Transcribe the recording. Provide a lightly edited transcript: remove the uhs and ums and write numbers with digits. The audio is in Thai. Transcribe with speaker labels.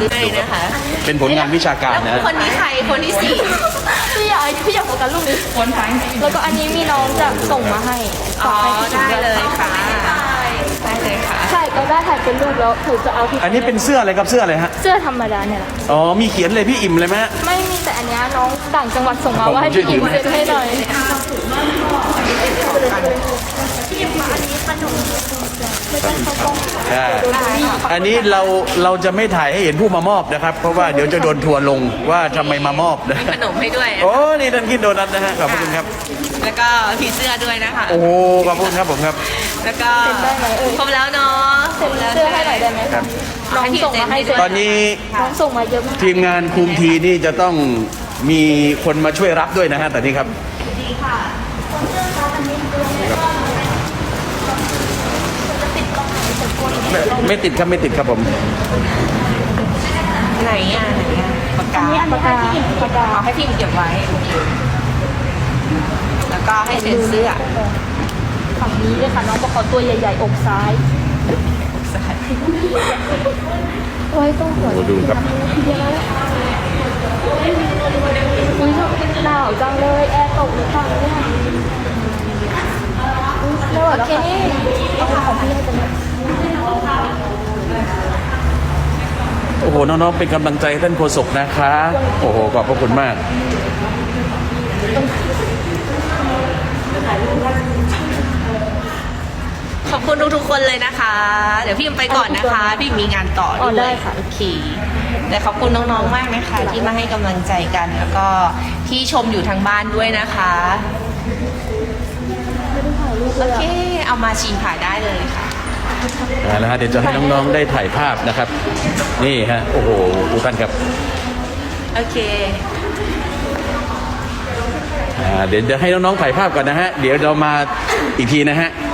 Speaker 1: ซื้อให้นะคะ
Speaker 2: เป็นผลงานวิชาการ
Speaker 1: แล้ว
Speaker 2: นะ
Speaker 1: คนนี้ใครคนที่สี่
Speaker 3: พี่อยากโฟกัสรูปนี้แล้วก็อันนี้มีน้องจะส่งมาให้
Speaker 1: อ๋อ
Speaker 3: ฝากให้
Speaker 1: ได้เลยค่ะได้เลยค่ะ
Speaker 3: ใช่ก็ได้ถ่ายเป็นรูปแล้วถือจะเอาที่
Speaker 2: อันนี้เป็นเสื้ออะไรครับเสื้ออะไรฮะ
Speaker 3: เสื้อธรรมดาเนี่ยแหละ
Speaker 2: อ๋อมีเขียนเลยพี่อิ่มเลยไหมฮะ
Speaker 3: ไม่มีแต่อันเนี้ยน้องต่างจังหวัดส่งมาว่าให้พี่หญิงเซ็นให้หน่อย
Speaker 2: ใช่อันนี้เราจะไม่ถ่ายให้เห็นผู้มามอบนะครับ เพราะว่าเดี๋ยวจะโดนทัวร์ลงว่าทำไมมามอบนะ
Speaker 1: มีขนมให้ด้วย
Speaker 2: โอ้นี่ท่านกินโดนัทนะฮะขอบคุณครับ
Speaker 1: แล้วก็ผีเสื้อด้วยนะคะ
Speaker 2: โอ้ขอบคุณครับผมครับ
Speaker 1: แล้วก็
Speaker 3: เซ็นได้ไหมเอ่ย
Speaker 1: ครบแล้วเนาะ
Speaker 3: เซ็นเสื้อให้หน่อยได้ไหม
Speaker 2: ครับ
Speaker 3: น้องส่งมาให้เซ็น
Speaker 2: ตอนนี้
Speaker 3: น้องส่งมาเยอะมาก
Speaker 2: ทีมงานคุมทีนี่จะต้องมีคนมาช่วยรับด้วยนะฮะตอนนี้ครับไม่ติดครับไม่ติดครับผม
Speaker 1: ไหนอ่ะไหนอ่ะปากกา
Speaker 3: ปากกาปากกา
Speaker 1: เอาให้พี่เก็บไว้โอเคแล้วก็ให้เซ็นเสื้อ
Speaker 3: ฝั่งนี้เลยค่ะน้องบอกเขาตัวใหญ่ๆอกซ้ายไว้ต้องหัว
Speaker 2: โอ้ดูครับ
Speaker 3: เดี๋ยวนะอุ้ยหนาวจังเลยแอร์ตกหรือเปล่าเนี่ยไม่ไหวแล้วค่ะเอาของพี่ให้เป็น
Speaker 2: โอ้โหน้องๆเป็นกำลังใจให้ท่านโฆษกนะคะโอ้โหขอบพระคุณมาก
Speaker 1: ขอบคุณทุกๆคนเลยนะคะ เดี๋ยวพี่ไปก่อนนะคะ พี่มีงานต่อ
Speaker 3: อ๋อ
Speaker 1: ด้
Speaker 3: ได้
Speaker 1: วย
Speaker 3: ค่ะ
Speaker 1: โอเคแต่ขอบคุณน้องๆมากนะคะ ที่มาให้กำลังใจกัน แล้วก็ที่ชมอยู่ทางบ้านด้วยนะคะ โอเค เอามาชิมผ่าได้เลยค่ะ
Speaker 2: แล้วฮะเดี๋ยวจะให้น้องๆได้ถ่ายภาพนะครับ นี่ฮะโอ้โหทุกท่านครับ
Speaker 1: โอเค
Speaker 2: เดี๋ยวให้น้องๆถ่ายภาพก่อนนะฮะเดี๋ยวเรามาอีกทีนะฮะ